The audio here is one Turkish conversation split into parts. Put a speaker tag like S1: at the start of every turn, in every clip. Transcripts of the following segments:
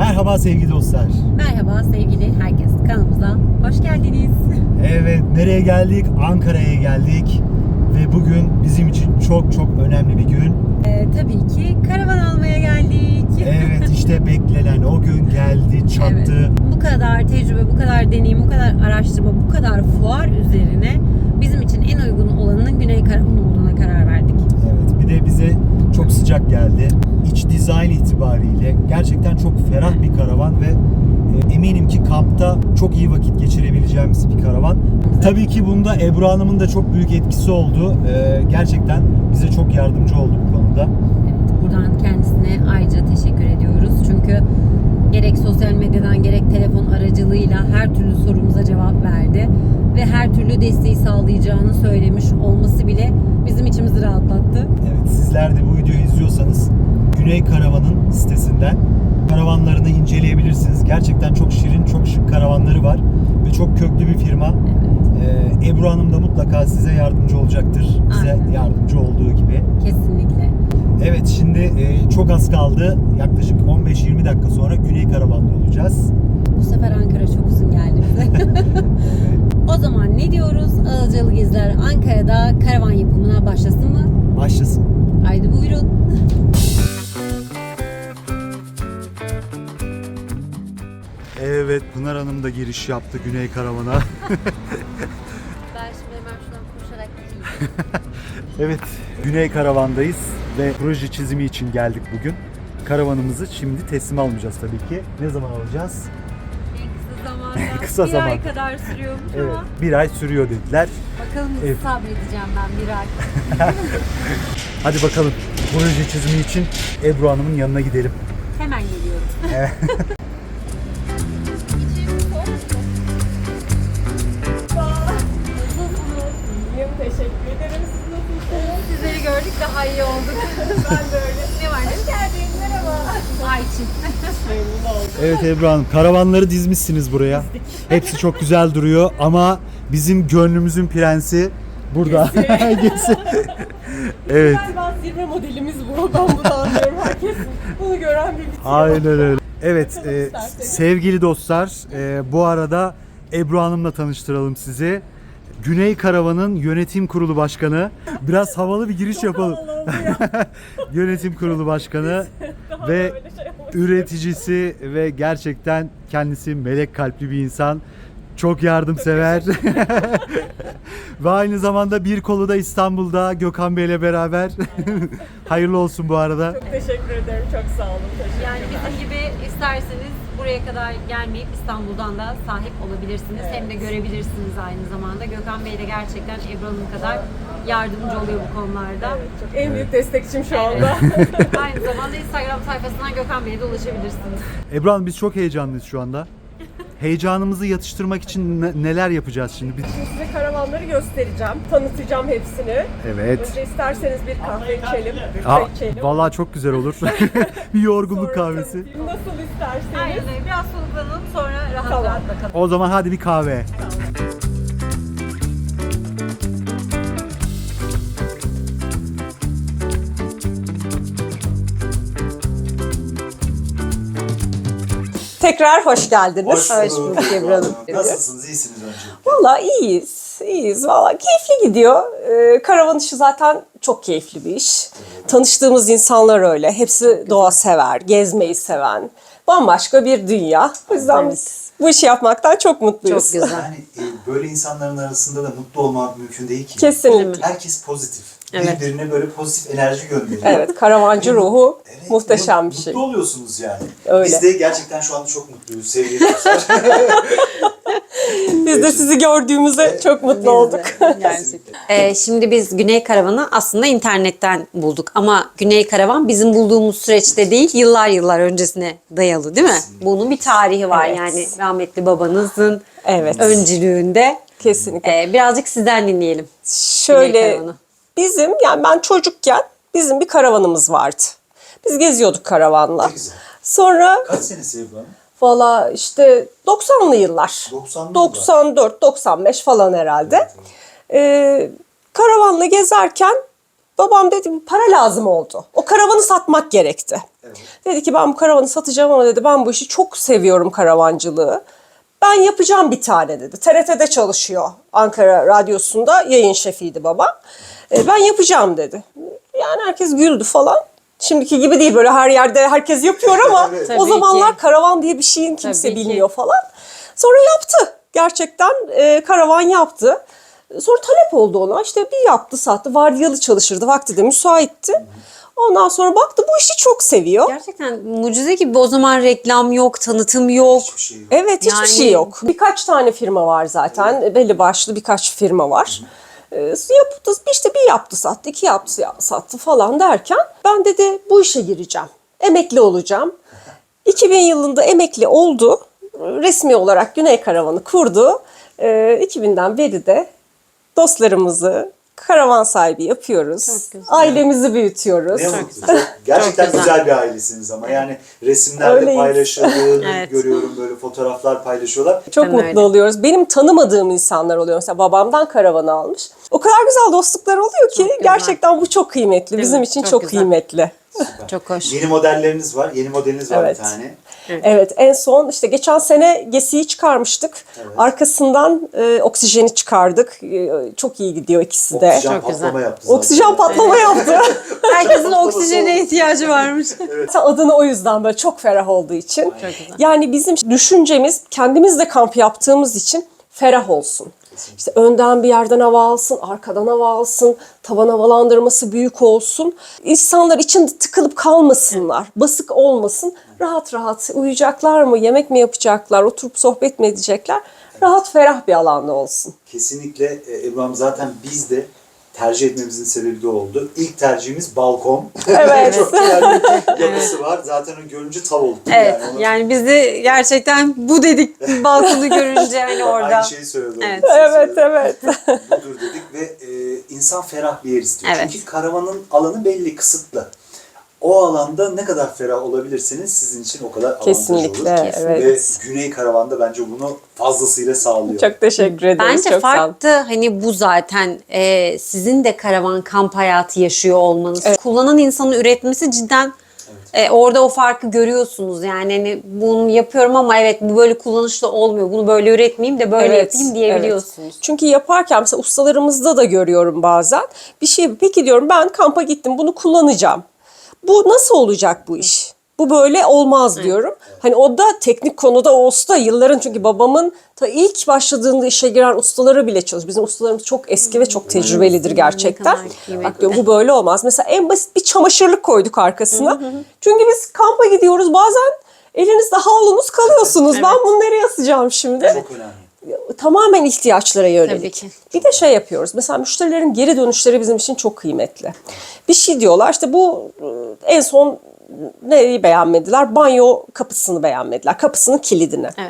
S1: Merhaba sevgili dostlar.
S2: Merhaba sevgili herkes, kanalımıza hoş geldiniz.
S1: Evet, nereye geldik? Ankara'ya geldik. Ve bugün bizim için çok önemli bir gün.
S2: Tabii ki karavan almaya geldik.
S1: Evet, işte beklenen o gün geldi, çattı.
S2: Evet. Bu kadar tecrübe, bu kadar deneyim, bu kadar araştırma, bu kadar fuar üzerine bizim için en uygun olanının Güney Karavan olduğuna karar verdik.
S1: Evet, bir de bize çok sıcak geldi. İç dizayn itibariyle gerçekten çok ferah bir karavan ve eminim ki kampta çok iyi vakit geçirebileceğimiz bir karavan. Tabii ki bunda Ebru Hanım'ın da çok büyük etkisi oldu. Gerçekten bize çok yardımcı oldu bu konuda.
S2: Evet, buradan kendisine ayrıca teşekkür ediyoruz. Çünkü gerek sosyal medyadan gerek telefon aracılığıyla her türlü sorumuza cevap verdi. Ve her türlü desteği sağlayacağını söylemiş olması bile bizim içimizi rahatlattı.
S1: Evet, sizler de bu videoyu izliyorsanız Güney Karavan'ın sitesinden karavanlarını inceleyebilirsiniz. Gerçekten çok şirin, çok şık karavanları var ve çok köklü bir firma.
S2: Evet.
S1: Ebru Hanım da mutlaka size yardımcı olacaktır. Bize
S2: Aynen.
S1: yardımcı olduğu gibi.
S2: Kesinlikle.
S1: Evet, şimdi çok az kaldı. Yaklaşık 15-20 dakika sonra Güney Karavan'da olacağız.
S2: Bu sefer Ankara çok uzun geldi bize. O zaman ne diyoruz? Ağızcalı Geziler Ankara'da karavan yapımına başlasın mı?
S1: Başlasın.
S2: Haydi buyurun.
S1: Evet, Pınar Hanım da giriş yaptı Güney Karavan'a.
S2: Ben şimdi hemen şuradan koşarak gideyim.
S1: Evet, Güney Karavan'dayız ve proje çizimi için geldik bugün. Karavanımızı şimdi teslim almayacağız tabii ki. Ne zaman alacağız?
S2: En kısa zamanda.
S1: Kısa
S2: bir
S1: zaman.
S2: ay kadar sürüyormuş
S1: Evet,
S2: ama.
S1: bir ay sürüyor dediler.
S2: Bakalım nasıl
S1: Evet.
S2: sabredeceğim ben bir ay.
S1: Hadi bakalım, proje çizimi için Ebru Hanım'ın yanına gidelim.
S2: Hemen geliyorum.
S3: İyiyim, teşekkür ederim. Siz nasılsınız?
S2: Sizleri gördük, daha iyi olduk.
S3: Ben de öyle.
S2: Ne var ne?
S3: Hoş geldin, merhaba.
S2: Ayçin.
S3: Memnun oldum.
S1: Evet Ebru Hanım, karavanları dizmişsiniz buraya. Hepsi çok güzel duruyor ama bizim gönlümüzün prensi burada. Gezi. Evet.
S3: Galiba zirve modelimiz bu. Ben bunu anlıyorum. Herkes bunu gören bir bitiyor.
S1: Aynen öyle. Evet,
S3: Bakalım isterseniz.
S1: sevgili dostlar, bu arada Ebru Hanım'la tanıştıralım sizi. Güney Karavan'ın yönetim kurulu başkanı. Biraz havalı bir giriş yapalım.
S3: Havalı oldu ya.
S1: Yönetim kurulu başkanı
S3: Daha
S1: ve
S3: böyle şey olmuş.
S1: üreticisi ve gerçekten kendisi melek kalpli bir insan. Çok yardımsever. Ve aynı zamanda bir kolu da İstanbul'da Gökhan Bey'le beraber. Hayırlı olsun bu arada.
S3: Çok teşekkür ederim. Çok sağ olun. Teşekkürler.
S2: Yani bizim gibi isterseniz buraya kadar gelmeyip İstanbul'dan da sahip olabilirsiniz.
S3: Evet.
S2: Hem de görebilirsiniz aynı zamanda. Gökhan Bey de gerçekten Ebru Hanım kadar yardımcı oluyor bu konularda.
S3: Evet, çok en büyük destekçim şu anda.
S2: Aynı zamanda Instagram sayfasından Gökhan Bey'e de ulaşabilirsiniz.
S1: Ebru Hanım, biz çok heyecanlıyız şu anda. Heyecanımızı yatıştırmak için neler yapacağız şimdi?
S3: Şimdi size karavanları göstereceğim. Tanıtacağım hepsini.
S1: Evet.
S3: Önce isterseniz bir kahve içelim.
S1: Aa,
S3: Çay içelim.
S1: vallahi çok güzel olur. Bir yorgunluk
S3: Sonra
S1: kahvesi.
S3: tanıtayım. Nasıl isterseniz.
S2: Aynen öyle. Biraz soluklanalım, sonra rahat
S3: Tamam.
S2: rahat bakalım.
S1: O zaman hadi bir kahve.
S3: Tekrar hoş geldiniz.
S1: Hoş
S2: bulduk Ebru Hanım.
S1: Nasılsınız? İyisiniz önce.
S3: Valla iyiyiz. İyiyiz. Valla keyifli gidiyor. Karavan işi zaten çok keyifli bir iş. Tanıştığımız insanlar öyle. Hepsi doğa sever, gezmeyi seven. Bambaşka bir dünya. O yüzden biz bu işi yapmaktan çok mutluyuz.
S2: Çok güzel.
S4: Yani böyle insanların arasında da mutlu olmak mümkün değil ki.
S3: Kesinlikle.
S4: Herkes pozitif.
S2: Evet.
S4: Birbirine böyle pozitif enerji gönderiyor.
S3: Evet, karavancı ruhu
S4: Evet,
S3: muhteşem bir şey.
S4: Mutlu oluyorsunuz yani.
S3: Öyle.
S4: Biz de gerçekten şu anda çok mutluyuz sevgili dostlar.
S3: Biz de sizi gördüğümüzde çok mutlu olduk.
S2: Şimdi biz Güney Karavan'ı aslında internetten bulduk ama Güney Karavan bizim bulduğumuz süreçte değil, yıllar öncesine dayalı değil mi? Bunun bir tarihi var
S3: Evet.
S2: yani rahmetli babanızın
S3: Evet.
S2: öncülüğünde.
S3: Kesinlikle.
S2: Birazcık sizden dinleyelim. Güney
S3: Şöyle
S2: Karavan'ı.
S3: bizim, yani ben çocukken bizim bir karavanımız vardı. Biz geziyorduk karavanla.
S4: Ne güzel.
S3: Sonra
S4: Kaç senesi Ebru Hanım?
S3: valla işte 90'lı yıllar.
S4: 90'lı
S3: 94, 95 falan herhalde. Karavanla gezerken babam dedi para lazım oldu. O karavanı satmak gerekti.
S4: Evet.
S3: Dedi ki ben bu karavanı satacağım ama dedi ben bu işi çok seviyorum karavancılığı. Ben yapacağım bir tane dedi. TRT'de çalışıyor. Ankara Radyosu'nda yayın şefiydi babam. Ben yapacağım dedi. Yani herkes güldü falan. Şimdiki gibi değil böyle her yerde herkes yapıyor ama
S4: Evet.
S2: Tabii
S3: o zamanlar
S2: ki.
S3: karavan diye bir şeyin kimse
S2: Tabii ki.
S3: bilmiyor falan. Sonra yaptı. Gerçekten karavan yaptı. Sonra talep oldu ona. İşte bir yaptı sattı. Vardiyalı çalışırdı. Vakti de müsaitti. Ondan sonra baktı bu işi çok seviyor.
S2: Gerçekten mucize gibi, o zaman reklam yok, tanıtım yok.
S4: Hiçbir şey yok.
S3: Evet hiçbir
S2: Yani-
S3: şey yok. Birkaç tane firma var zaten. Belli başlı birkaç firma var. Yaptı, işte bir yaptı sattı, iki yaptı sattı falan derken ben dedi bu işe gireceğim. Emekli olacağım. 2000 yılında emekli oldu. Resmi olarak Güney Karavanı kurdu. 2000'den beri de dostlarımızı karavan sahibi yapıyoruz.
S2: Çok güzel.
S3: Ailemizi büyütüyoruz.
S4: Ne mutlu. Gerçekten
S2: Çok güzel.
S4: güzel bir ailesiniz ama yani resimlerde
S3: Öyleyiz.
S4: paylaşıldığını
S2: Evet.
S4: görüyorum, böyle fotoğraflar paylaşıyorlar.
S3: Çok
S2: Ben
S3: mutlu
S2: öyle.
S3: oluyoruz. Benim tanımadığım insanlar oluyor. Mesela babamdan karavanı almış. O kadar güzel dostluklar oluyor ki
S2: güzel.
S3: gerçekten bu çok kıymetli.
S2: Değil
S3: Bizim
S2: mi?
S3: için
S2: Çok
S3: çok
S2: güzel.
S3: kıymetli.
S2: Çok hoş.
S4: Yeni modelleriniz var. Yeni modeliniz var
S3: Evet.
S4: bir tane.
S3: Evet en son işte geçen sene Gesi'yi çıkarmıştık.
S4: Evet.
S3: Arkasından oksijeni çıkardık. Çok iyi gidiyor ikisi de.
S4: Oksijen
S2: Çok
S4: patlama
S2: güzel.
S4: yaptı zaten.
S3: Oksijen patlama yaptı.
S2: Herkesin oksijene ihtiyacı varmış.
S3: Adını o yüzden böyle çok ferah olduğu için.
S2: Çok güzel.
S3: Yani bizim düşüncemiz kendimiz de kamp yaptığımız için ferah olsun. İşte önden bir yerden hava alsın, arkadan hava alsın, tavan havalandırması büyük olsun. İnsanlar içinde tıkılıp kalmasınlar, basık olmasın. Rahat rahat uyuyacaklar mı, yemek mi yapacaklar, oturup sohbet mi edecekler? Rahat ferah bir alanda olsun.
S4: Kesinlikle Ebru Hanım, zaten biz de tercih etmemizin sebebi de oldu. İlk tercihimiz balkon.
S3: Evet.
S4: Çok güzel bir yapısı var. Zaten o görünce tav olduk.
S2: Evet,
S4: onu-
S2: yani biz de gerçekten bu dedik balkonu görünce hani orada.
S4: Aynı şeyi söyledi.
S2: Evet.
S3: Evet, evet.
S4: Budur dedik ve insan ferah bir yer istiyor.
S2: Evet.
S4: Çünkü karavanın alanı belli, kısıtlı. O alanda ne kadar ferah olabilirseniz sizin için o kadar avantaj
S3: Kesinlikle,
S4: olur.
S3: evet.
S4: Ve Güney Karavanda bence bunu fazlasıyla sağlıyor.
S3: Çok teşekkür ederiz.
S2: Bence
S3: çok sağ olun.
S2: farklı hani bu zaten sizin de karavan kamp hayatı yaşıyor olmanız.
S3: Evet.
S2: Kullanan insanın üretmesi cidden orada o farkı görüyorsunuz. Yani hani bunu yapıyorum ama evet bu böyle kullanışlı olmuyor. Bunu böyle üretmeyeyim de böyle
S3: Evet,
S2: yapayım diyebiliyorsunuz.
S3: Çünkü yaparken mesela ustalarımızda da görüyorum bazen. Bir şey peki diyorum ben kampa gittim bunu kullanacağım. Bu nasıl olacak bu iş? Bu böyle olmaz diyorum. Hani o da teknik konuda o usta yılların, çünkü babamın ta ilk başladığında işe giren ustaları bile çalışıyor. Bizim ustalarımız çok eski ve çok tecrübelidir gerçekten.
S2: Ne kadar kıymetli.
S3: Bak diyorum bu böyle olmaz. Mesela en basit bir çamaşırlık koyduk arkasına. Çünkü biz kampa gidiyoruz bazen elinizde havlunuz kalıyorsunuz. Ben bunu nereye asacağım şimdi?
S4: Çok önemli.
S3: Tamamen ihtiyaçlara yönelik.
S2: Tabii ki.
S3: Bir de şey yapıyoruz. Mesela müşterilerin geri dönüşleri bizim için çok kıymetli. Bir şey diyorlar işte bu en son neyi beğenmediler? Banyo kapısını beğenmediler. Kapısının kilidini.
S2: Evet.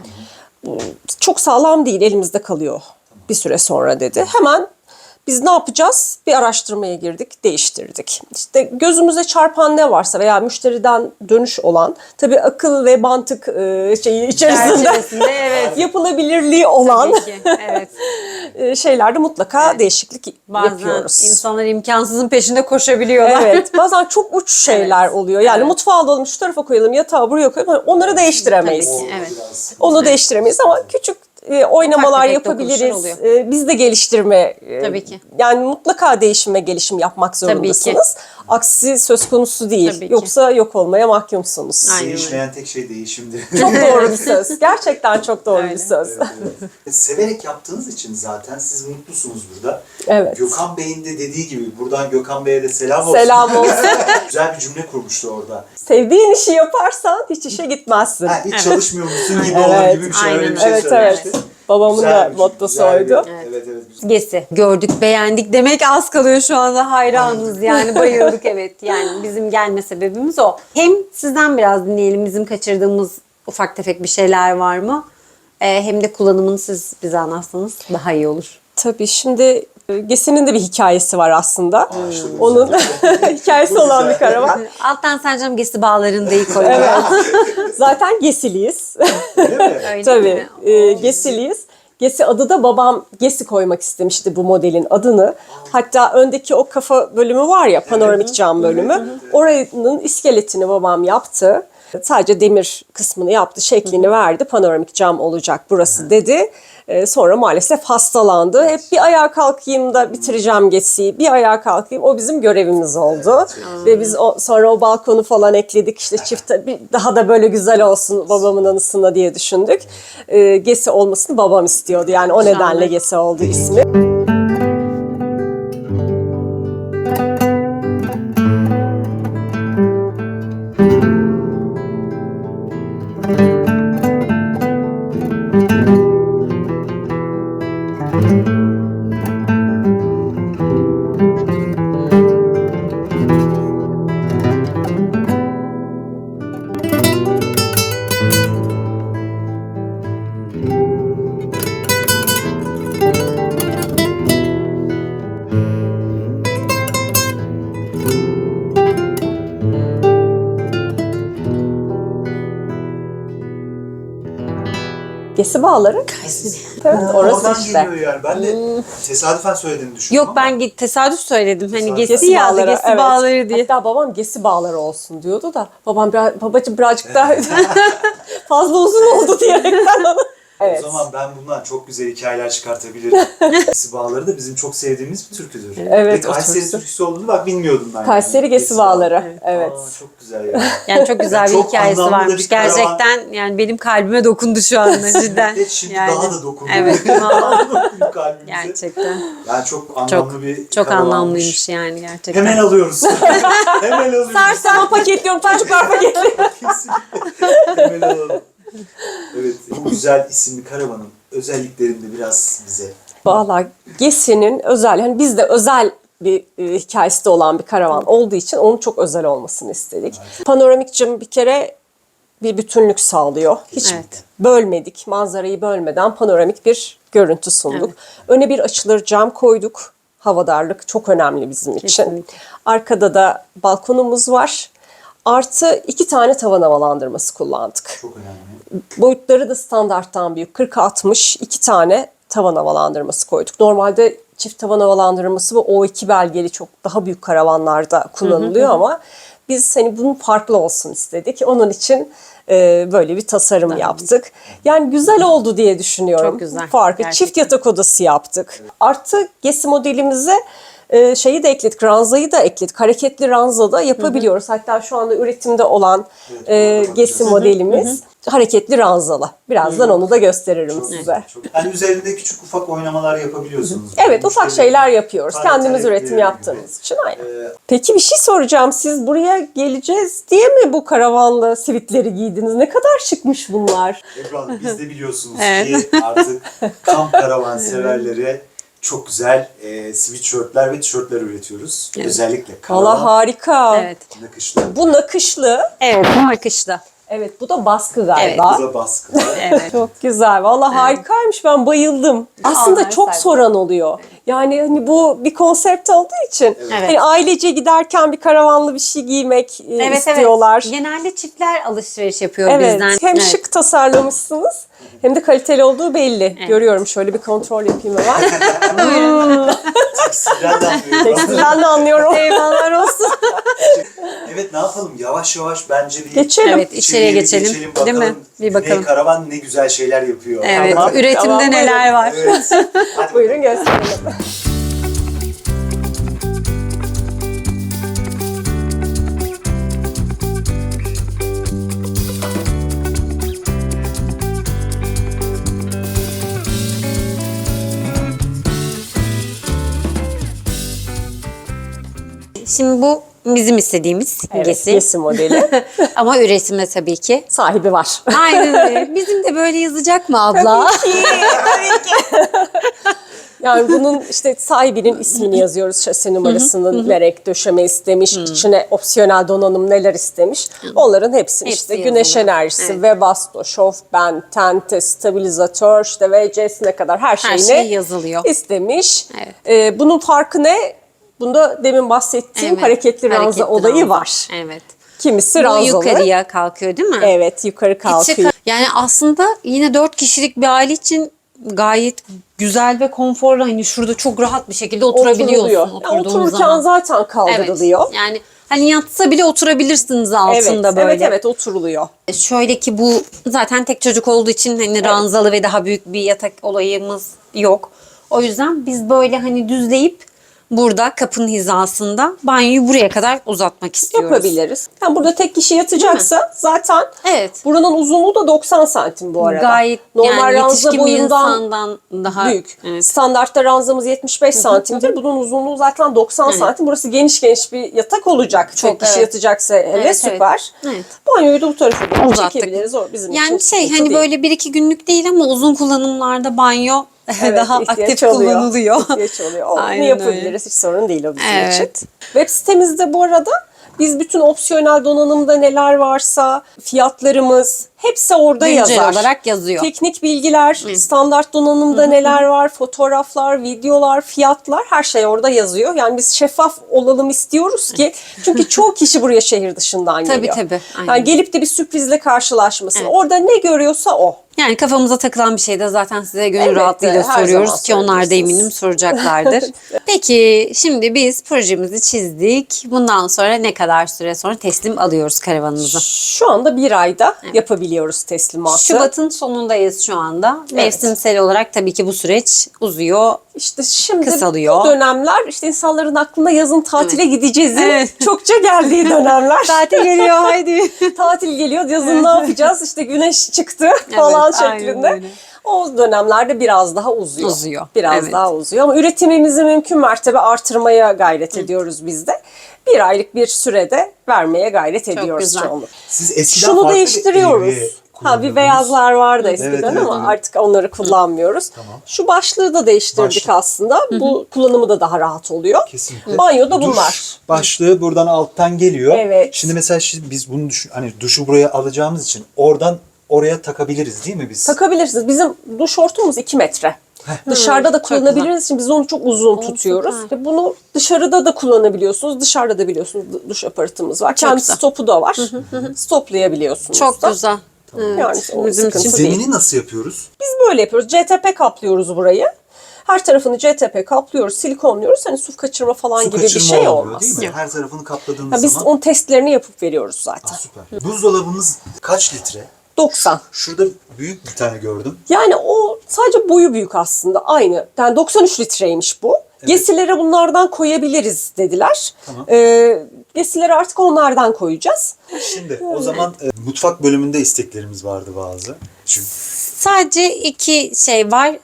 S3: Çok sağlam değil, elimizde kalıyor bir süre sonra dedi. Hemen biz ne yapacağız? Bir araştırmaya girdik, değiştirdik. İşte gözümüze çarpan ne varsa veya müşteriden dönüş olan, tabii akıl ve mantık şeyi içerisinde
S2: Çerçevesinde evet.
S3: yapılabilirliği olan
S2: Tabii ki. Evet.
S3: şeylerde mutlaka değişiklik
S2: Bazen
S3: yapıyoruz.
S2: insanlar imkansızın peşinde koşabiliyorlar.
S3: Evet, bazen çok uç şeyler
S2: Evet.
S3: oluyor. Yani
S2: Evet.
S3: mutfağı alalım, şu tarafa koyalım, yatağı buraya koyalım. Hani onları değiştiremeyiz.
S2: Tabii
S4: O
S2: ki. Evet.
S4: biraz-
S3: Onu değiştiremeyiz ama küçük oynamalar
S2: tefek
S3: yapabiliriz.
S2: dokunuşlar oluyor.
S3: Biz de geliştirme,
S2: Tabii ki.
S3: yani mutlaka değişim ve gelişim yapmak zorundasınız. Aksi söz konusu değil.
S2: Tabii ki.
S3: Yoksa yok olmaya mahkumsunuz.
S2: Aynen öyle.
S4: Değişmeyen tek şey değişimdir.
S3: Çok doğru bir söz. Gerçekten çok doğru bir
S2: Öyle.
S3: söz.
S4: Severek yaptığınız için zaten siz mutlusunuz burada.
S3: Evet.
S4: Gökhan Bey'in de dediği gibi, buradan Gökhan Bey'e de selam olsun.
S3: Selam olsun.
S4: Güzel bir cümle kurmuştu orada.
S3: Sevdiğin işi yaparsan hiç işe gitmezsin.
S4: Ha, hiç çalışmıyor musun gibi
S3: Evet.
S4: olan gibi bir şey.
S2: Aynen
S4: Öyle bir şey
S3: Evet,
S4: söylemişti.
S3: evet. Babamın
S4: Güzel
S3: da
S4: bir-
S3: mottosu
S4: güzel bir-
S3: oydu.
S4: Evet, evet. Güzel.
S2: Gesi. Gördük, beğendik demek az kalıyor şu anda, hayranız yani, bayıldık evet. Yani bizim gelme sebebimiz o. Hem sizden biraz dinleyelim, bizim kaçırdığımız ufak tefek bir şeyler var mı? Hem de kullanımını siz bize anlatsanız daha iyi olur.
S3: Tabii şimdi Gesi'nin de bir hikayesi var aslında.
S4: işte bu
S3: Onun hikayesi
S4: Bu
S3: olan
S4: güzel.
S3: bir karavan.
S2: Alttan Sercam Gesi bağlarını da iyi koyuyor.
S3: Evet. Zaten Gesiliyiz.
S4: Öyle mi?
S2: Öyle
S3: Tabii.
S2: mi?
S3: Gesiliyiz. Gesi adı da babam Gesi koymak istemişti bu modelin adını. Hatta öndeki o kafa bölümü var ya, panoramik cam bölümü. Oranın iskeletini babam yaptı. Sadece demir kısmını yaptı, şeklini verdi. Panoramik cam olacak burası dedi. Sonra maalesef hastalandı. Hep bir ayağa kalkayım da bitireceğim Gesi'yi. Bir ayağa kalkayım. O bizim görevimiz oldu. Ve biz sonra o balkonu falan ekledik. İşte daha da böyle güzel olsun babamın anısına diye düşündük. Gesi olmasını babam istiyordu. Yani o nedenle Gesi oldu ismi. Gesi bağları. Evet, orası
S4: Oradan
S3: işte.
S4: geliyor yani. Ben de tesadüfen söylediğini düşündüm
S2: Yok
S4: ama.
S2: ben tesadüf söyledim. Hani
S4: Tesadüf.
S2: Gesi ya da Gesi
S3: evet.
S2: bağları diye.
S3: Hatta babam Gesi bağları olsun diyordu da babacığım birazcık daha fazla uzun oldu diyerekten onu. Evet.
S4: O zaman ben bundan çok güzel hikayeler çıkartabilirim. Gesi bağları da bizim çok sevdiğimiz bir türküdür.
S3: Evet,
S4: Ve
S3: o
S4: Kayseri
S3: türkü.
S4: türküsü olduğunu bak bilmiyordum ben.
S3: Kayseri Gesi bağları. Evet.
S4: Aa, çok güzel ya.
S2: Yani çok güzel bir
S4: Çok
S2: hikayesi
S4: anlamlı da
S2: varmış.
S4: bir karavan.
S2: Gerçekten yani benim kalbime dokundu şu anda cidden.
S4: Evet, şimdi
S2: Yani,
S4: daha da dokunuyor.
S2: Evet. vallahi
S4: Dokunuyor kalbimize.
S2: gerçekten.
S4: Yani çok anlamlı bir
S2: Çok
S4: karavanmış.
S2: anlamlıymış yani gerçekten.
S4: Hemen alıyoruz. Hemen alıyoruz.
S3: Sana paketliyorum, çocuklar paketliyorum.
S4: Kesinlikle. Hemen alalım. Evet, bu güzel isimli karavanın özelliklerini de biraz bize.
S3: Vallahi Gesi'nin özel, hani bizde özel bir hikayesi de olan bir karavan olduğu için onun çok özel olmasını istedik. Panoramik cam bir kere bir bütünlük sağlıyor. Hiç
S2: Evet.
S3: bölmedik, manzarayı bölmeden panoramik bir görüntü sunduk. Öne bir açılır cam koyduk. Havadarlık çok önemli bizim için.
S2: Kesinlikle.
S3: Arkada da balkonumuz var. Artı 2 tane tavan havalandırması kullandık.
S4: Çok önemli.
S3: Boyutları da standarttan büyük. 40-60 2 tane tavan havalandırması koyduk. Normalde çift tavan havalandırması ve O2 belgeli çok daha büyük karavanlarda kullanılıyor ama biz hani bunun farklı olsun istedik. Onun için böyle bir tasarım yaptık. Yani güzel oldu diye düşünüyorum.
S2: Çok güzel,
S3: Farkı.
S2: gerçekten.
S3: Çift yatak odası yaptık. Artı Gesi modelimize şeyi de ekledik, ranzayı da ekledik. Hareketli ranza da yapabiliyoruz. Hatta şu anda üretimde olan
S4: Evet,
S3: Gesi modelimiz hareketli ranzalı. Birazdan onu da gösteririm size.
S4: Çok, yani üzerinde küçük ufak oynamalar yapabiliyorsunuz.
S3: Evet, ufak şeyler yapıyoruz.
S4: Talep
S3: Kendimiz
S4: talepleri
S3: üretim
S4: gibi.
S3: yaptığımız için. Aynen.
S4: Ee,
S3: Peki bir şey soracağım. Siz buraya geleceğiz diye mi bu karavanla sivitleri giydiniz? Ne kadar şıkmış bunlar.
S4: Ebru Hanım, biz de biliyorsunuz
S2: Evet.
S4: ki artık kamp karavan severlere çok güzel sweatshirtler ve tişörtler üretiyoruz. Özellikle
S3: Valla
S4: karavan
S3: harika.
S2: Evet.
S4: nakışlı.
S3: Bu nakışlı.
S2: Evet bu akışta.
S3: Evet, bu da baskı galiba.
S4: Bu da baskılı.
S2: Evet.
S3: Çok güzel. Valla harikaymış. Ben bayıldım. Aslında
S2: Onlar
S3: çok
S2: saydım.
S3: soran oluyor. Yani hani bu bir konsept olduğu için
S2: Evet.
S3: hani ailece giderken bir karavanlı bir şey giymek istiyorlar.
S2: Evet. Genelde çiftler alışveriş yapıyor
S3: Evet.
S2: bizden.
S3: Hem
S2: Evet.
S3: şık tasarlamışsınız hem de kaliteli olduğu belli. Görüyorum. Şöyle bir kontrol yapayım hemen.
S4: Tekstilden de anlıyorum.
S3: Tekstilden de anlıyorum.
S2: Eyvallah olsun.
S4: Evet, ne yapalım? Yavaş yavaş bence bir
S3: Geçelim.
S2: Evet içeriye
S4: bir
S2: geçelim.
S4: bakalım.
S2: Değil mi? Bir
S4: Güney
S2: bakalım.
S4: Karavan ne güzel şeyler yapıyor.
S2: Evet.
S3: Tamam.
S2: Üretimde
S3: Tamam,
S2: neler var?
S4: Evet. Hadi
S3: Buyurun gösterelim.
S2: Şimdi bu bizim istediğimiz
S3: Evet,
S2: Gesi.
S3: Gesi modeli.
S2: Ama üretimde tabii ki.
S3: Sahibi var.
S2: Aynen öyle. Bizim de böyle yazacak mı abla?
S3: Yani bunun işte sahibinin ismini yazıyoruz, şasi numarasını vererek döşeme istemiş, içine opsiyonel donanım neler istemiş. Onların hepsini
S2: Hepsi
S3: işte güneş
S2: yazılı.
S3: enerjisi,
S2: Evet.
S3: Webasto, şofben, tente, stabilizatör, işte VC'sine kadar her şeyini
S2: şey yazılıyor.
S3: istemiş.
S2: Evet.
S3: Bunun farkı ne? Bunda demin bahsettiğim
S2: Evet,
S3: hareketli ranza
S2: hareketli
S3: olayı
S2: ranza.
S3: var.
S2: Evet.
S3: Kimisi
S2: Bu
S3: ranzalı.
S2: yukarıya kalkıyor değil mi?
S3: Evet, yukarı kalkıyor.
S2: Yani aslında yine 4 kişilik bir aile için gayet güzel ve konforlu. Hani şurada çok rahat bir şekilde oturabiliyorsun.
S3: Oturuluyor. Yani
S2: Oturduğun
S3: otururken
S2: zaman.
S3: zaten kaldırılıyor.
S2: Evet. Yani hani yatsa bile oturabilirsiniz
S3: Evet,
S2: altında böyle.
S3: evet oturuluyor.
S2: Şöyle ki bu zaten tek çocuk olduğu için hani ranzalı ve daha büyük bir yatak olayımız yok. O yüzden biz böyle hani düzleyip burada kapının hizasında banyoyu buraya kadar uzatmak istiyoruz.
S3: Yapabiliriz. Yani burada tek kişi yatacaksa zaten
S2: Evet.
S3: buranın uzunluğu da 90 santim bu arada.
S2: Gayet
S3: Normal
S2: yani
S3: ranza
S2: yetişkin bir
S3: boyundan
S2: insandan daha
S3: büyük.
S2: Evet.
S3: Standartta ranzamız 75 santimdir. Bunun uzunluğu zaten 90 santim. Burası geniş bir yatak olacak.
S2: Çok,
S3: Tek kişi
S2: evet.
S3: yatacaksa hele
S2: Evet,
S3: süper.
S2: evet.
S3: Banyoyu da bu tarafa doğru
S2: Uzattık.
S3: çekebiliriz. O bizim
S2: Yani
S3: için
S2: şey
S3: sıkıntı
S2: hani
S3: değil.
S2: böyle 1-2 günlük değil ama uzun kullanımlarda banyo
S3: Evet,
S2: daha
S3: ihtiyaç
S2: aktif
S3: oluyor.
S2: kullanılıyor.
S3: İhtiyaç oluyor. Onu
S2: Aynen
S3: yapabiliriz. Hiç sorun değil o bizim
S2: Evet.
S3: için. Web sitemizde bu arada biz bütün opsiyonel donanımda neler varsa fiyatlarımız hepsi orada
S2: Güncel
S3: yazar.
S2: olarak yazıyor.
S3: Teknik bilgiler, standart donanımda neler var, fotoğraflar, videolar, fiyatlar her şey orada yazıyor. Yani biz şeffaf olalım istiyoruz ki çünkü çoğu kişi buraya şehir dışından
S2: Tabii,
S3: geliyor.
S2: tabii. Aynen.
S3: Yani gelip de bir sürprizle karşılaşmasın.
S2: Evet.
S3: Orada ne görüyorsa o.
S2: Yani kafamıza takılan bir şey de zaten size gönül
S3: Elbette,
S2: rahatlığıyla
S3: her
S2: soruyoruz
S3: zaman
S2: ki onlar da
S3: sorabilirsiniz.
S2: eminim soracaklardır. Peki şimdi biz projemizi çizdik. Bundan sonra ne kadar süre sonra teslim alıyoruz karavanımızı?
S3: Şu anda bir ayda yapabiliyoruz teslimatı.
S2: Şubat'ın sonundayız şu anda. Mevsimsel olarak tabii ki bu süreç uzuyor.
S3: İşte şimdi
S2: Kısalıyor.
S3: bu dönemler işte insanların aklına yazın tatile gideceğiz.
S2: Evet.
S3: Çokça geldiği dönemler.
S2: Tatil geliyor haydi.
S3: Tatil geliyor yazın ne yapacağız işte güneş çıktı falan
S2: aynen
S3: şeklinde.
S2: öyle.
S3: O dönemlerde biraz daha uzuyor. Biraz
S2: evet.
S3: daha uzuyor ama üretimimizi mümkün mertebe artırmaya gayret ediyoruz biz de. Bir aylık bir sürede vermeye gayret ediyoruz
S2: güzel.
S3: çoğunlukla.
S4: Siz eskiden
S3: Şunu
S4: farklı bir
S3: değiştiriyoruz.
S4: evi
S3: Ha bir
S4: kullanıyordunuz.
S3: beyazlar vardı eskiden
S4: Evet, evet,
S3: ama
S4: evet.
S3: artık onları kullanmıyoruz.
S4: Tamam.
S3: Şu başlığı da değiştirdik
S4: Başlık.
S3: aslında. Bu kullanımı da daha rahat oluyor.
S4: Kesinlikle.
S3: Banyoda
S4: Duş
S3: bunlar.
S4: başlığı buradan alttan geliyor.
S3: Evet.
S4: Şimdi mesela biz bunu düşün, hani duşu buraya alacağımız için oradan oraya takabiliriz değil mi biz?
S3: Takabilirsiniz. Bizim duş hortumumuz 2 metre. Dışarıda da
S2: çok
S3: kullanabiliriz için biz onu çok uzun tutuyoruz.
S2: süper.
S3: Bunu dışarıda da kullanabiliyorsunuz. Dışarıda da biliyorsunuz duş aparatımız var. Kendi
S2: güzel.
S3: stopu da var. Stoplayabiliyorsunuz
S2: Çok
S3: da.
S2: güzel.
S3: Yani o
S2: Bizim
S3: sıkıntı
S2: için
S3: değil.
S4: Zemini nasıl yapıyoruz?
S3: Biz böyle yapıyoruz. CTP kaplıyoruz burayı. Her tarafını CTP kaplıyoruz, silikonluyoruz. Hani su kaçırma falan
S4: Su
S3: gibi bir
S4: kaçırma
S3: şey
S4: olmuyor,
S3: olmaz.
S4: değil mi?
S2: Yok.
S4: Her tarafını kapladığımız
S3: Ya biz
S4: zaman.
S3: onun testlerini yapıp veriyoruz zaten.
S4: Süper. Buzdolabımız kaç litre?
S3: 90.
S4: Şurada büyük bir tane gördüm.
S3: Yani o sadece boyu büyük aslında aynı. Yani 93 litreymiş bu. Gesilere bunlardan koyabiliriz dediler.
S4: Tamam.
S3: Gesilere artık onlardan koyacağız.
S4: Şimdi o zaman mutfak bölümünde isteklerimiz vardı bazı. Çünkü
S2: Sadece 2 şey var.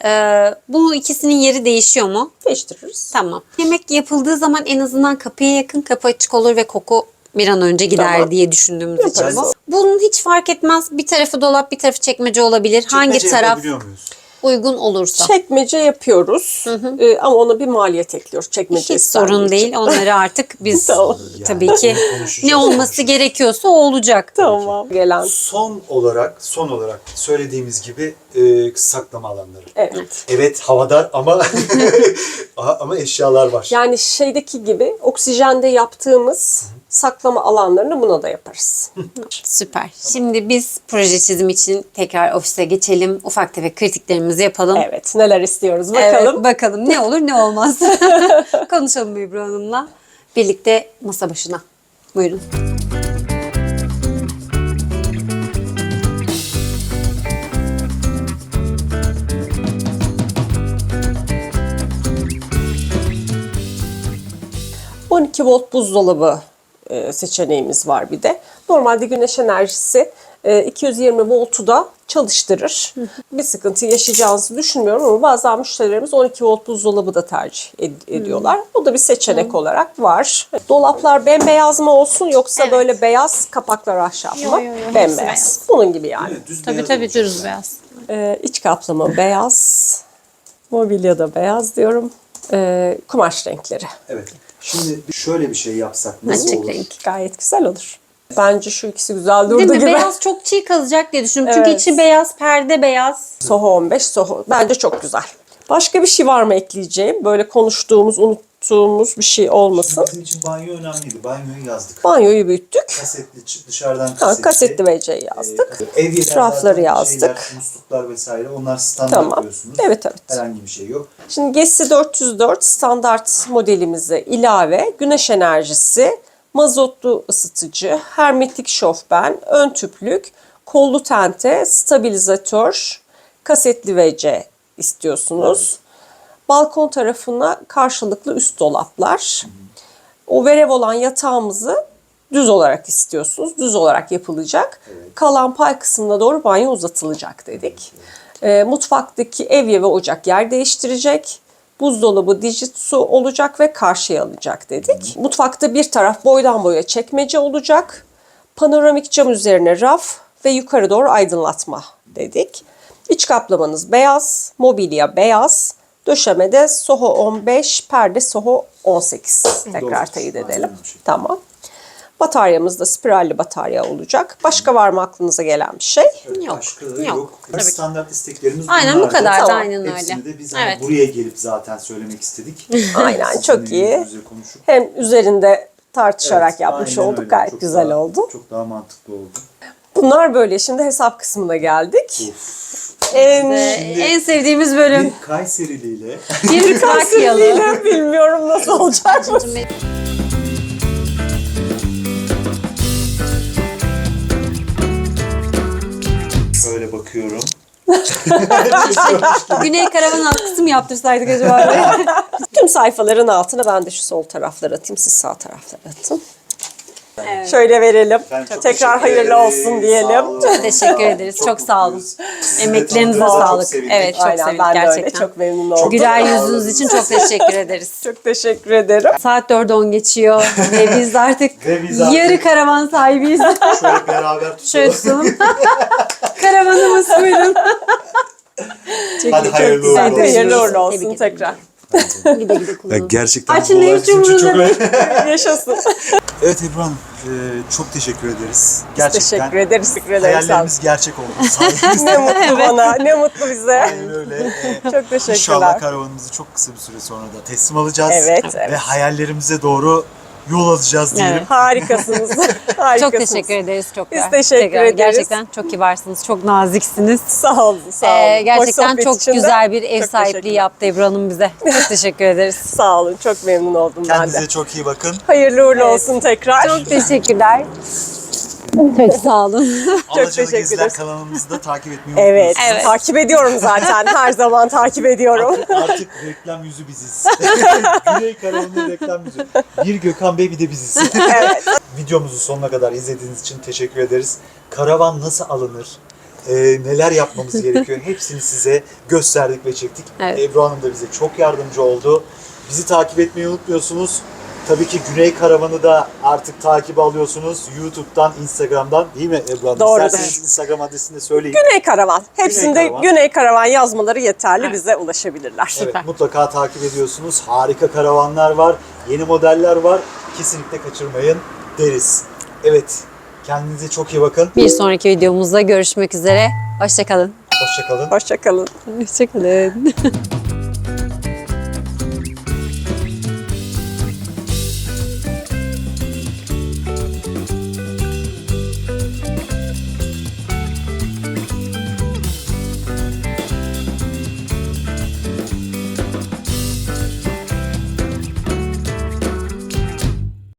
S2: Bu ikisinin yeri değişiyor mu?
S3: Değiştiririz.
S2: Tamam. Yemek yapıldığı zaman en azından kapıya yakın, kapı açık olur ve koku bir an önce gider
S3: Tamam.
S2: diye düşündüğümüz için
S3: Yaparız.
S2: bu. Bunun hiç fark etmez. Bir tarafı dolap, bir tarafı çekmece olabilir. Hangi
S4: çekmece
S2: taraf
S4: yapabiliyor muyuz?
S2: uygun olursa.
S3: Çekmece yapıyoruz. Ama ona bir maliyet ekliyoruz. Çekmece
S2: Hiç sorun
S3: istendiği için.
S2: değil. Onları artık biz
S3: Tamam.
S2: tabii
S4: Yani
S2: ki
S4: onu konuşacağız,
S2: ne olması
S4: konuşacağız.
S2: gerekiyorsa o olacak.
S3: Tamam. Gelen.
S4: Son olarak söylediğimiz gibi saklama alanları.
S3: Evet.
S4: Evet havadar ama ama eşyalar var.
S3: Yani şeydeki gibi oksijende yaptığımız saklama alanlarını buna da yaparız.
S2: Süper. Şimdi biz proje çizim için tekrar ofise geçelim. Ufak tefek kritiklerimizi yapalım.
S3: Evet. Neler istiyoruz bakalım.
S2: Evet, bakalım ne olur ne olmaz. Konuşalım Ebru Hanım'la. Birlikte masa başına. Buyurun.
S3: Evet. 12 volt buzdolabı seçeneğimiz var bir de. Normalde güneş enerjisi 220 voltu da çalıştırır. Bir sıkıntı yaşayacağınızı düşünmüyorum ama bazen müşterilerimiz 12 volt buzdolabı da tercih ediyorlar. Bu da bir seçenek olarak var. Dolaplar bembeyaz mı olsun yoksa
S2: Evet.
S3: böyle beyaz kapaklar ahşap mı?
S2: Yo, hepsi
S3: Bembeyaz.
S2: beyaz.
S3: Bunun gibi yani.
S4: Değil mi? Düz
S2: Tabii
S4: beyaz
S2: tabii
S4: olacak.
S2: dürüst beyaz.
S3: İç kaplama beyaz. Mobilya da beyaz diyorum. Kumaş renkleri.
S4: Evet. Şimdi şöyle bir şey yapsak nasıl
S2: Açık
S4: olur?
S2: renk.
S3: Gayet güzel olur. Bence şu ikisi güzel durdu
S2: Değil mi?
S3: gibi.
S2: Beyaz çok çiğ kalacak diye düşündüm. Çünkü
S3: Evet.
S2: içi beyaz, perde beyaz.
S3: Soho 15, Soho. Bence çok güzel. Başka bir şey var mı ekleyeceğim? Böyle konuştuğumuz, unuttuğumuz bir şey olmasın.
S4: Bizim için banyo önemliydi. Banyoyu yazdık.
S3: Banyoyu büyüttük.
S4: Kasetli, dışarıdan
S3: Kasetli WC'yi yazdık.
S4: Evyeler
S3: Rafları
S4: zaten
S3: yazdık.
S4: şeyler, musluklar vesaire onlar standart
S3: Tamam.
S4: diyorsunuz.
S3: Evet, evet.
S4: Herhangi bir şey yok.
S3: Şimdi GESI 404 standart modelimize ilave güneş enerjisi, mazotlu ısıtıcı, hermetik şofben, ön tüplük, kollu tente, stabilizatör, kasetli WC istiyorsunuz. Balkon tarafına karşılıklı üst dolaplar. O verev olan yatağımızı düz olarak istiyorsunuz. Düz olarak yapılacak. Kalan pay kısmına doğru banyo uzatılacak dedik. Mutfaktaki evye ve ocak yer değiştirecek. Buzdolabı Dijitsu olacak ve karşıya alacak dedik. Mutfakta bir taraf boydan boya çekmece olacak. Panoramik cam üzerine raf ve yukarı doğru aydınlatma dedik. İç kaplamanız beyaz, mobilya beyaz. Döşemede Soho 15, perde Soho 18. Tekrar
S4: Doğru.
S3: teyit
S4: Aynen
S3: edelim.
S4: o şekilde.
S3: Tamam. Bataryamız da spiralli batarya olacak. Başka var mı aklınıza gelen bir şey?
S4: Evet,
S2: Yok,
S4: başka
S2: yok.
S4: yok.
S2: Tabii ki.
S4: Standart isteklerimiz
S2: Aynen bu
S4: bunlardı.
S2: kadar da
S3: Tamam.
S2: aynen
S4: Hepsini
S2: öyle.
S4: de biz hani
S2: Evet.
S4: buraya gelip zaten söylemek istedik.
S3: Aynen,
S4: Sizinle
S3: çok iyi.
S4: yüz yüze konuşup.
S3: Hem üzerinde tartışarak
S4: Evet,
S3: yapmış
S4: aynen
S3: olduk.
S4: öyle.
S3: Gayet
S4: Çok
S3: güzel
S4: daha-
S3: oldu.
S4: Çok daha mantıklı oldu.
S3: Bunlar böyle. Şimdi hesap kısmına geldik.
S2: En sevdiğimiz bölüm.
S4: Bir Kayseriliyle
S2: Bir Trakyalı.
S3: Kayseri'yle bilmiyorum nasıl olacak.
S4: şöyle bakıyorum.
S2: Güney Karavan alt kısım yaptırsaydık acaba?
S3: Tüm sayfaların altına ben de şu sol tarafları atayım. Siz sağ tarafları atın.
S2: Evet.
S3: Şöyle verelim.
S4: Ben çok
S3: Tekrar
S4: teşekkür
S3: hayırlı
S4: ederim.
S3: olsun
S4: Sağ
S3: diyelim.
S4: olun.
S2: Çok teşekkür ederiz. Çok sağ olun.
S4: mutluyuz. Sizi de
S2: Emeklerinize
S4: tanıdığımıza çok
S2: sağlık.
S4: sevindik.
S2: Evet, çok
S3: Aynen,
S2: sevindik
S3: ben de öyle.
S2: gerçekten.
S3: Çok memnun oldum.
S2: Güler
S4: Çok
S2: yüzünüz için çok teşekkür ederiz.
S3: Çok teşekkür ederim.
S2: Saat 4'e 10 geçiyor ve biz de artık
S4: Ve biz artık-
S2: yarı karavan sahibiyiz.
S4: Şöyle beraber
S2: Şöyle
S4: tutalım.
S2: tutalım. Karavanımız buyurun.
S4: Hadi hayırlı
S2: güzel.
S4: uğurlu
S3: Hadi
S4: olsun.
S3: hayırlı uğurlu
S2: Tebrik
S3: olsun
S2: ederim.
S3: tekrar.
S2: Gide gide kullanın.
S4: Gerçekten
S2: Açın
S4: bu olay
S2: hiç
S4: bizim için çok
S2: umurunda
S4: önemli.
S3: Yaşasın.
S4: Evet Ebru Hanım, çok teşekkür ederiz. Gerçekten
S3: Teşekkür ederiz. Teşekkür ederim. Sağ olun.
S4: hayallerimiz gerçek oldu. Sayenizde.
S3: Ne mutlu bana. Ne mutlu bize.
S4: Aynen öyle.
S3: Çok teşekkürler.
S4: İnşallah karavanımızı çok kısa bir süre sonra da teslim alacağız.
S3: Evet,
S4: Ve
S3: evet.
S4: hayallerimize doğru yol alacağız diyelim.
S2: Evet.
S3: Harikasınız. Harikasınız.
S2: Çok teşekkür ederiz. Çok
S3: Biz teşekkür
S2: tekrar.
S3: ederiz.
S2: Gerçekten çok kibarsınız. Çok naziksiniz.
S3: Sağ olun. Sağ olun. Hoş
S2: Gerçekten
S3: sohbet
S2: çok
S3: için de
S2: güzel bir ev
S3: çok
S2: sahipliği
S3: teşekkürler.
S2: yaptı Ebru Hanım bize. Çok teşekkür ederiz.
S3: Sağ olun. Çok memnun oldum ben
S4: Kendinize
S3: de.
S4: çok iyi bakın.
S3: Hayırlı uğurlu olsun tekrar.
S2: Çok teşekkürler. Çok sağ olun.
S4: Alacalı
S3: teşekkür
S4: Geziler
S3: ederiz.
S4: kanalımızı da takip etmeyi
S3: Evet,
S4: unutmuyorsunuz.
S2: Evet.
S3: takip ediyorum zaten. Her zaman takip ediyorum.
S4: Artık reklam yüzü biziz. Güney Karavan'ın reklam yüzü. Bir Gökhan Bey bir de biziz.
S3: Evet.
S4: Videomuzu sonuna kadar izlediğiniz için teşekkür ederiz. Karavan nasıl alınır? Neler yapmamız gerekiyor? Hepsini size gösterdik ve çektik.
S2: Evet.
S4: Ebru Hanım da bize çok yardımcı oldu. Bizi takip etmeyi unutmuyorsunuz. Tabii ki Güney Karavan'ı da artık takip alıyorsunuz. YouTube'dan, Instagram'dan değil mi Ebru Hanım?
S3: Doğrudur.
S4: İsterseniz Instagram adresini de söyleyin.
S3: Güney Karavan. Hepsinde
S4: Karavan.
S3: Güney Karavan yazmaları yeterli. Bize ulaşabilirler.
S4: Evet, mutlaka takip ediyorsunuz. Harika karavanlar var, yeni modeller var. Kesinlikle kaçırmayın deriz. Evet, kendinize çok iyi bakın.
S2: Bir sonraki videomuzda görüşmek üzere. Hoşçakalın.
S4: Hoşça kalın.
S3: Hoşça kalın.
S2: Hoşçakalın.